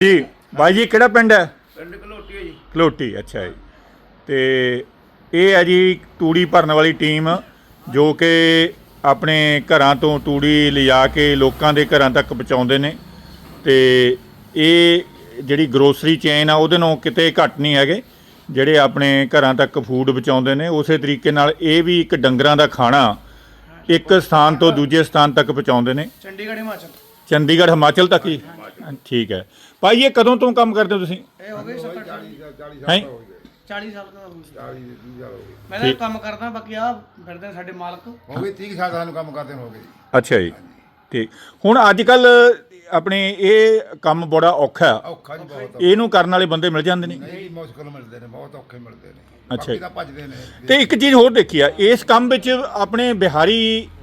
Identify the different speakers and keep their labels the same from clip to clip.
Speaker 1: जी भाई जी किहड़ा पिंड है?
Speaker 2: पिंड घलोटी है जी।
Speaker 1: घलोटी अच्छा जी। तो ये है जी तूड़ी भरन वाली टीम जो कि अपने घरां तो तूड़ी लिजा के लोगों के घरां तक पहुँचाते हैं। तो ये जिहड़ी ग्रोसरी चेन आ उहदे नालों किते घट नहीं हैगे जिहड़े अपने घरां तक फूड पहुँचाते हैं। उस तरीके नाल ये भी एक डंगरां दा खाना एक स्थान तो दूजे स्थान तक पहुँचाते हैं।
Speaker 2: चंडीगढ़ हिमाचल।
Speaker 1: चंडीगढ़ हिमाचल तक ही ठीक है। भाई ये कदों तो काम करते हो तुसीं?
Speaker 2: हो गए 40
Speaker 1: हैं
Speaker 2: 40 साल का मैं तो काम करदा बाकी आ फिरदे साडे मालक
Speaker 3: हो गए 30 साल सानू काम करते हो गए।
Speaker 1: अच्छा जी ठीक। हुण अजकल अपने ये काम बड़ा औखा
Speaker 3: औखा जी बहुत
Speaker 1: ਇਹਨੂੰ ਕਰਨ ਵਾਲੇ ਬੰਦੇ ਮਿਲ ਜਾਂਦੇ ਨੇ।
Speaker 3: नहीं मुश्किल मिलते हैं बहुत औखे मिलते हैं।
Speaker 1: अच्छा जी।
Speaker 3: बाकी तां भजदे ने
Speaker 1: ਤੇ ਇੱਕ ਚੀਜ਼ ਹੋਰ ਦੇਖੀ ਆ ਇਸ ਕੰਮ ਵਿੱਚ ਆਪਣੇ ਬਿਹਾਰੀ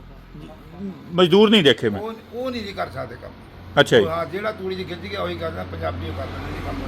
Speaker 1: ਮਜ਼ਦੂਰ ਨਹੀਂ ਦੇਖੇ ਮੈਂ।
Speaker 3: ਉਹ ਨਹੀਂ ਜੀ ਕਰ ਸਕਦੇ ਕੰਮ।
Speaker 1: ਅੱਛਾ ਜੀ
Speaker 3: ਹਾਂ ਜਿਹੜਾ ਤੂੜੀ ਦੀ ਖਿੱਚ ਗਿਆ ਉਹੀ ਕਰਦਾ ਪੰਜਾਬੀ ਕਰਦੇ ਨੇ ਜੀ ਕੰਮ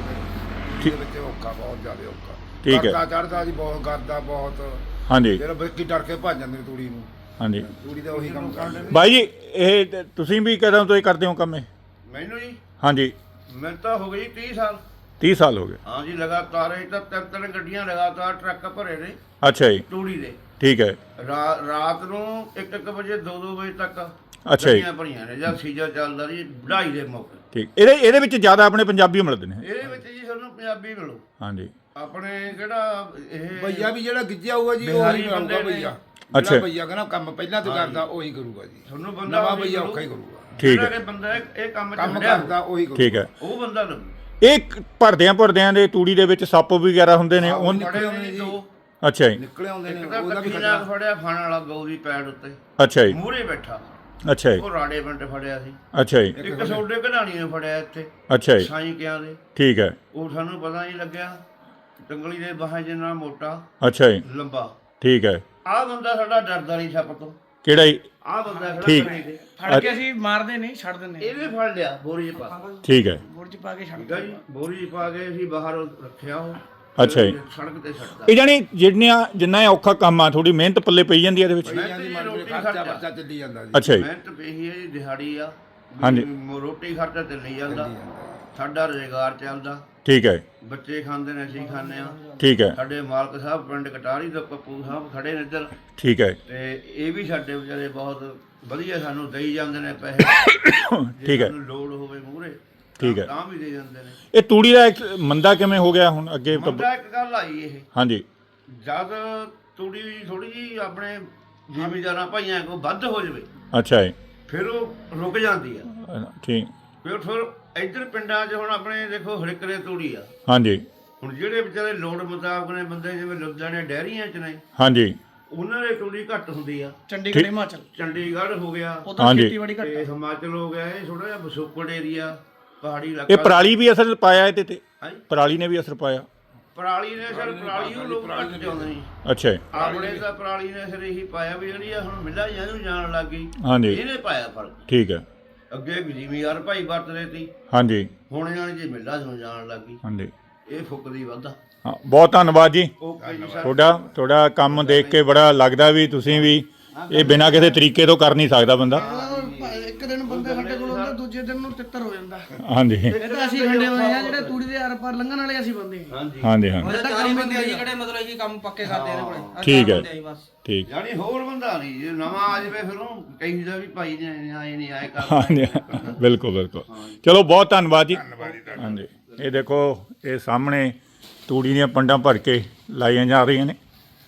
Speaker 3: ਦੇ ਵਿੱਚ ਔਖਾ ਬਹੁਤ ਜ਼ਿਆਦਾ ਔਖਾ।
Speaker 1: ਠੀਕ ਹੈ।
Speaker 3: ਚੜਦਾ ਜੀ ਬਹੁਤ ਕਰਦਾ ਬਹੁਤ
Speaker 1: ਹਾਂਜੀ
Speaker 3: ਜਿਹੜਾ ਬੱਕੀ ਡਰ ਕੇ ਭੱਜ ਜਾਂਦੇ ਨੇ ਤੂੜੀ ਨੂੰ।
Speaker 1: ਹਾਂਜੀ
Speaker 3: ਤੂੜੀ ਦਾ ਉਹੀ ਕੰਮ ਕਰਦੇ
Speaker 1: ਬਾਈ ਜੀ ਇਹ ਤੁਸੀਂ ਵੀ ਕਦੋਂ ਤੋਂ ਇਹ ਕਰਦੇ ਹੋ ਕੰਮ ਇਹ?
Speaker 2: ਮੈਨੂੰ ਜੀ
Speaker 1: ਹਾਂਜੀ
Speaker 2: ਮੈਂ ਤਾਂ ਹੋ ਗਈ 30 ਸਾਲ।
Speaker 1: 30 ਸਾਲ ਹੋ ਗਏ।
Speaker 2: ਹਾਂ ਜੀ ਲਗਾਤਾਰ ਇਹ ਤਾਂ ਤਿੰਨ ਗੱਡੀਆਂ ਲਗਾਤਾਰ ਟਰੱਕ ਭਰੇ ਨੇ
Speaker 1: ਅੱਛਾ ਜੀ
Speaker 2: ਤੂੜੀ ਦੇ।
Speaker 1: ਠੀਕ ਹੈ।
Speaker 2: ਰਾਤ ਨੂੰ 1 ਵਜੇ 2 ਵਜੇ ਤੱਕ
Speaker 1: ਅੱਛਾ ਜੀ
Speaker 2: ਗੱਡੀਆਂ ਭਰੀਆਂ ਨੇ ਜਦ ਸੀਜ਼ਨ ਚੱਲਦਾ ਜੀ ਵਢਾਈ ਦੇ ਮੌਕੇ।
Speaker 1: ਠੀਕ। ਇਹਦੇ ਵਿੱਚ ਜ਼ਿਆਦਾ ਆਪਣੇ ਪੰਜਾਬੀ ਮਿਲਦੇ ਨੇ।
Speaker 2: ਇਹਦੇ ਵਿੱਚ ਜੀ ਤੁਹਾਨੂੰ ਪੰਜਾਬੀ ਮਿਲੋ।
Speaker 1: ਹਾਂਜੀ
Speaker 2: ਆਪਣੇ ਕਿਹੜਾ ਇਹ
Speaker 3: ਭਈਆ ਵੀ ਜਿਹੜਾ ਗਿੱਜਿਆ ਹੋਊਗਾ ਜੀ
Speaker 2: ਬਿਹਾਰੀ
Speaker 3: ਉਹੀ
Speaker 2: ਬੰਦੇ
Speaker 3: ਕਰੂਗਾ
Speaker 2: ਨੇ।
Speaker 3: ਭਈਆ।
Speaker 1: ਅੱਛਾ।
Speaker 3: ਜਿਹੜਾ ਭਈਆ ਕਹਿੰਦਾ ਕੰਮ ਪਹਿਲਾਂ ਤੋਂ ਕਰਦਾ ਉਹੀ ਕਰੂਗਾ ਜੀ।
Speaker 2: ਤੁਹਾਨੂੰ ਬੰਦਾ
Speaker 3: ਨਵਾਂ
Speaker 2: ਉਹੀ
Speaker 3: ਭਈਆ
Speaker 2: ਮਿਲੂ।
Speaker 3: ਔਖਾ ਹੀ ਕਰੂਗਾ।
Speaker 1: ਠੀਕ ਹੈ।
Speaker 2: ਜਿਹੜਾ ਕਿ ਬੰਦਾ ਇਹ ਕੰਮ
Speaker 3: ਕੰਮ
Speaker 2: ਚ
Speaker 3: ਕਰਦਾ ਉਹੀ ਕਰੂਗਾ।
Speaker 1: ਠੀਕ ਹੈ।
Speaker 2: ਉਹ ਬੰਦਾ ਲੱਭੂ।
Speaker 1: ਇਹ ਭਰਦਿਆਂ ਦੇ ਤੂੜੀ ਦੇ ਵਿੱਚ ਸੱਪ ਵਗੈਰਾ ਹੁੰਦੇ ਨੇ ਉਹ
Speaker 3: ਨਿਕਲੇ ਆਉਂਦੇ ਨੇ ਜੀ।
Speaker 2: ਦੋ
Speaker 1: ਅੱਛਾ ਜੀ
Speaker 3: ਨਿਕਲੇ ਆਉਂਦੇ ਨੇ
Speaker 2: ਇੱਕ ਤਾਂ
Speaker 3: ਉਹਦਾ ਵੀ
Speaker 2: ਕੱਖੀ ਨਾਲ
Speaker 3: ਖਤਰਾ।
Speaker 2: ਫੜਿਆ ਖਾਣ ਵਾਲਾ ਗਊ ਦੀ ਪੈੜ ਉੱਤੇ
Speaker 1: ਅੱਛਾ ਜੀ
Speaker 2: ਮੂਹਰੇ ਬੈਠਾ
Speaker 1: ਅੱਛਾ ਜੀ
Speaker 2: ਉਹ ਰਾੜੇ ਪਿੰਡ ਫੜਿਆ ਸੀ।
Speaker 1: ਅੱਛਾ ਜੀ
Speaker 2: ਇੱਕ ਸੋਡੇ ਕਢਾਣੀ ਨੇ ਫੜਿਆ ਇੱਥੇ
Speaker 1: ਅੱਛਾ ਜੀ
Speaker 2: ਸਾਈਂ ਕਿਆਂ ਦੇ।
Speaker 1: ਠੀਕ ਹੈ।
Speaker 2: ਉਹ ਸਾਨੂੰ ਪਤਾ ਨਹੀਂ ਲੱਗਿਆ ਟੰਗਲੀ ਦੇ ਬਾਹਾਂ ਜਿੰਨਾ ਮੋਟਾ
Speaker 1: ਅੱਛਾ ਜੀ
Speaker 2: ਲੰਬਾ।
Speaker 1: ਠੀਕ ਹੈ।
Speaker 2: ਆਹ ਬੰਦਾ ਸਾਡਾ ਡਰਦਾ ਨਹੀਂ ਸੱਪ ਤੋਂ।
Speaker 1: ਕਿਹੜਾ ਜੀ?
Speaker 2: ਆਹ ਬੰਦਾ ਖੜਾ
Speaker 1: ਠੀਕ।
Speaker 2: ਕਰੇ ਤੇ
Speaker 4: ਫੜ ਕੇ ਅਸੀਂ ਮਾਰਦੇ ਨਹੀਂ ਛੱਡ ਦਿੰਦੇ
Speaker 2: ਇਹਨੇ ਫੜ ਲਿਆ ਬੋਰੀ 'ਚ ਪਾ।
Speaker 1: ਠੀਕ ਹੈ।
Speaker 4: ਗੁੜ ਚ ਪਾ ਕੇ ਛੱਡ
Speaker 2: ਠੀਕ ਆ ਜੀ ਬੋਰੀ 'ਚ ਪਾ ਕੇ ਅਸੀਂ ਬਾਹਰ ਰੱਖਿਆ ਉਹ।
Speaker 1: ਅੱਛਾ ਜੀ।
Speaker 2: ਸੜਕ ਤੇ ਛੱਡਦਾ।
Speaker 1: ਇਹ ਜਾਨੀ ਜਿੰਨਾ ਔਖਾ ਕੰਮ ਆ ਥੋੜੀ ਮਿਹਨਤ ਪੱਲੇ ਪਈ ਜਾਂਦੀ ਹੈ ਇਹਦੇ ਵਿੱਚ।
Speaker 3: ਭਈਆ ਦੀ ਮਰਜ਼ੀ ਖਰਚਾ ਬੱਚਾ ਚੱਲੀ ਜਾਂਦਾ ਜੀ।
Speaker 1: ਅੱਛਾ ਜੀ
Speaker 2: ਮਿਹਨਤ ਪਈ ਹੈ ਜੀ ਦਿਹਾੜੀ ਆ।
Speaker 1: ਹਾਂਜੀ।
Speaker 2: ਰੋਟੀ ਖਰਚਾ ਚੱਲੀ ਜਾਂਦਾ ਸਾਡਾ ਰੁਜ਼ਗਾਰ ਚੱਲਦਾ।
Speaker 1: ਠੀਕ ਹੈ।
Speaker 2: ਬੱਚੇ ਖਾਂਦੇ ਨੇ ਅਸੀਂ ਖਾਂਦੇ ਆ।
Speaker 1: ਠੀਕ ਹੈ।
Speaker 2: ਸਾਡੇ ਮਾਲਕ ਸਾਹਿਬ ਪਿੰਡ ਕਟਾਰੀ ਤੋਂ ਪੱਪੂ ਸਾਹਿਬ ਖੜੇ ਨੇ ਇੱਧਰ
Speaker 1: ਠੀਕ ਹੈ।
Speaker 2: ਤੇ ਇਹ ਵੀ ਸਾਡੇ ਵਿਚਾਰੇ ਬਹੁਤ ਵਧੀਆ ਸਾਨੂੰ ਦੇਈ ਜਾਂਦੇ ਨੇ ਪੈਸੇ।
Speaker 1: ਠੀਕ ਹੈ।
Speaker 2: ਸਾਨੂੰ ਲੋੜ ਹੋਵੇ ਮੂਹਰੇ
Speaker 1: ਠੀਕ ਹੈ।
Speaker 2: ਤਾਂ ਵੀ ਦੇ ਜਾਂਦੇ ਨੇ।
Speaker 1: ਇਹ ਤੂੜੀ ਦਾ ਇੱਕ ਮੰਦਾ ਕਿਵੇਂ ਹੋ ਗਿਆ ਹੁਣ ਅੱਗੇ?
Speaker 2: ਬੰਦਾ ਇੱਕ ਗੱਲ ਆਈ ਇਹ
Speaker 1: ਹਾਂਜੀ
Speaker 2: ਜਦ ਤੂੜੀ ਥੋੜੀ ਜੀ ਆਪਣੇ ਜ਼ਿਮੀਂਦਾਰਾਂ ਭਾਈਆਂ ਕੋਲ ਵੱਧ ਹੋ ਜਾਵੇ
Speaker 1: ਅੱਛਾ ਜੀ
Speaker 2: ਫਿਰ ਉਹ ਰੁਕ ਜਾਂਦੀ ਆ।
Speaker 1: ਠੀਕ।
Speaker 2: ਫਿਰ ਇੱਧਰ ਪਿੰਡਾਂ 'ਚ ਹੁਣ ਆਪਣੇ ਦੇਖੋ ਹੜਕਰੇ ਤੂੜੀ ਆ।
Speaker 1: ਹਾਂਜੀ
Speaker 2: ਹੁਣ ਜਿਹੜੇ ਵਿਚਾਰੇ ਲੋੜ ਮੁਤਾਬਕ ਨੇ ਬੰਦੇ ਜਿਵੇਂ ਲੁਧਿਆਣੇ ਡੈਰੀਆਂ 'ਚ ਨੇ
Speaker 1: ਹਾਂਜੀ
Speaker 2: ਉਹਨਾਂ ਦੇ ਤੂੜੀ ਘੱਟ ਹੁੰਦੀ ਆ।
Speaker 4: ਚੰਡੀਗੜ੍ਹ ਹਿਮਾਚਲ
Speaker 2: ਚੰਡੀਗੜ੍ਹ ਹੋ ਗਿਆ
Speaker 4: ਉਧਰ
Speaker 1: ਹਾਂਜੀ।
Speaker 4: ਖੇਤੀਬਾੜੀ ਘੱਟ
Speaker 2: ਤੇ ਹਿਮਾਚਲ ਹੋ ਗਿਆ। ਇਹ ਥੋੜਾ ਜਿਹਾ ਬਸੋਕੜ ਏਰੀਆ ਪਹਾੜੀ
Speaker 1: ਇਹ
Speaker 2: ਇਲਾਕਾ।
Speaker 1: ਪਰਾਲੀ ਵੀ ਅਸਰ ਪਾਇਆ ਇਹਦੇ ਤੇ?
Speaker 2: ਹਾਂਜੀ।
Speaker 1: ਪਰਾਲੀ ਨੇ ਵੀ ਅਸਰ ਪਾਇਆ?
Speaker 2: ਪਰਾਲੀ ਨੇ ਸਰ ਪਰਾਲੀ ਨੂੰ ਲੋਕ ਘੱਟ ਚਾਹੁੰਦੇ ਨੇ।
Speaker 1: ਅੱਛਾ ਜੀ
Speaker 2: ਆਪਣੇ ਤਾਂ ਪਰਾਲੀ ਨੇ ਸਰ ਇਹੀ ਪਾਇਆ ਵੀ ਜਿਹੜੀ ਆ ਹੁਣ ਮਿੱਲਾਂ ਜਾਂ ਨੂੰ ਜਾਣ ਲੱਗ ਗਈ।
Speaker 1: ਹਾਂਜੀ
Speaker 2: ਇਹਨੇ ਪਾਇਆ ਫਰਕ।
Speaker 1: ਠੀਕ ਹੈ।
Speaker 2: ਅੱਗੇ ਜ਼ਿਮੀਂਦਾਰ ਭਾਈ ਵਰਤਦੇ ਸੀ
Speaker 1: ਹਾਂਜੀ
Speaker 2: ਹੁਣ ਜਾਣ ਜੇ ਮਿੱਲਾਂ ਨੂੰ ਜਾਣ ਲੱਗ ਗਈ।
Speaker 1: ਹਾਂਜੀ
Speaker 2: ਇਹ ਫੁੱਕਦੀ ਵੱਧਾ।
Speaker 1: ਹਾਂ ਬਹੁਤ ਧੰਨਵਾਦ ਜੀ
Speaker 2: ਓਕੇ ਜੀ ਸਰ।
Speaker 1: ਤੁਹਾਡਾ ਕੰਮ ਦੇਖ ਕੇ ਬੜਾ ਲੱਗਦਾ ਵੀ ਤੁਸੀਂ ਵੀ ਇਹ ਬਿਨਾਂ ਕਿਸੇ ਤਰੀਕੇ ਤੋਂ ਕਰ ਨਹੀਂ ਸਕਦਾ ਬੰਦਾ।
Speaker 4: ਇੱਕ ਦਿਨ ਬੰਦੇ ਸਾਡੇ ਕੋਲ ਹੁੰਦਾ ਦੂਜੇ ਦਿਨ ਨੂੰ ਤਿੱਤਰ ਹੋ ਜਾਂਦਾ।
Speaker 1: ਹਾਂਜੀ
Speaker 4: ਇਹ ਤਾਂ ਅਸੀਂ ਖੰਡੇ ਹੋਏ ਆ ਜਿਹੜੇ ਤੂੜੀ ਦੇ ਆਰ ਪਾਰ ਲੰਘਣ ਵਾਲੇ ਅਸੀਂ ਬੰਦੇ ਹਾਂ।
Speaker 2: ਹਾਂਜੀ
Speaker 1: ਹਾਂਜੀ ਹਾਂਜੀ
Speaker 4: ਉਹਦਾ ਕੰਮ ਬੰਦੇ ਆ ਜਿਹੜੇ ਮਤਲਬ ਕਿ ਕੰਮ ਪੱਕੇ ਕਰਦੇ ਨੇ ਕੋਲੇ।
Speaker 1: ਠੀਕ ਹੈ ਠੀਕ।
Speaker 2: ਯਾਨੀ ਹੋਰ ਬੰਦਾ ਨਹੀਂ ਜੇ ਨਵਾਂ ਆ ਜਾਵੇ ਫਿਰ ਉਹ ਕਹੀਦਾ ਵੀ ਭਾਈ ਨੇ ਆਏ ਨਹੀਂ ਆਏ ਕਰ।
Speaker 1: ਹਾਂਜੀ ਬਿਲਕੁਲ ਬਿਲਕੁਲ। ਚਲੋ ਬਹੁਤ ਧੰਨਵਾਦ ਜੀ। ਹਾਂਜੀ ਇਹ ਦੇਖੋ ਇਹ ਸਾਹਮਣੇ ਤੂੜੀ ਦੀਆਂ ਪੰਡਾਂ ਭਰ ਕੇ ਲਾਈਆਂ ਜਾ ਰਹੀਆਂ ਨੇ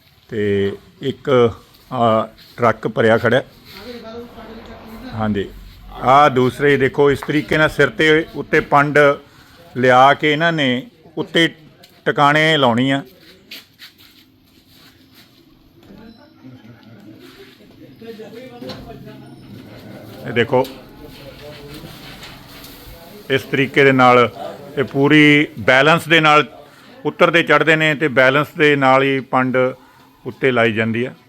Speaker 1: ਤੇ ਇੱਕ ਟਰੱਕ ਭਰਿਆ ਖੜਾ। ਹਾਂਜੀ ਆਹ ਦੂਸਰੇ ਦੇਖੋ ਇਸ ਤਰੀਕੇ ਨਾਲ ਸਿਰ ਤੇ ਉੱਤੇ ਪੰਡ ਲਿਆ ਕੇ ਇਹਨਾਂ ਨੇ ਉੱਤੇ ਟਿਕਾਣੇ ਲਾਉਣੀ ਆ। ਇਹ ਦੇਖੋ ਇਸ ਤਰੀਕੇ ਦੇ ਨਾਲ ਇਹ ਪੂਰੀ ਬੈਲੈਂਸ ਦੇ ਨਾਲ ਉੱਤਰਦੇ ਚੜ੍ਹਦੇ ਨੇ ਤੇ ਬੈਲੈਂਸ ਦੇ ਨਾਲ ਹੀ ਪੰਡ ਉੱਤੇ ਲਾਈ ਜਾਂਦੀ ਆ।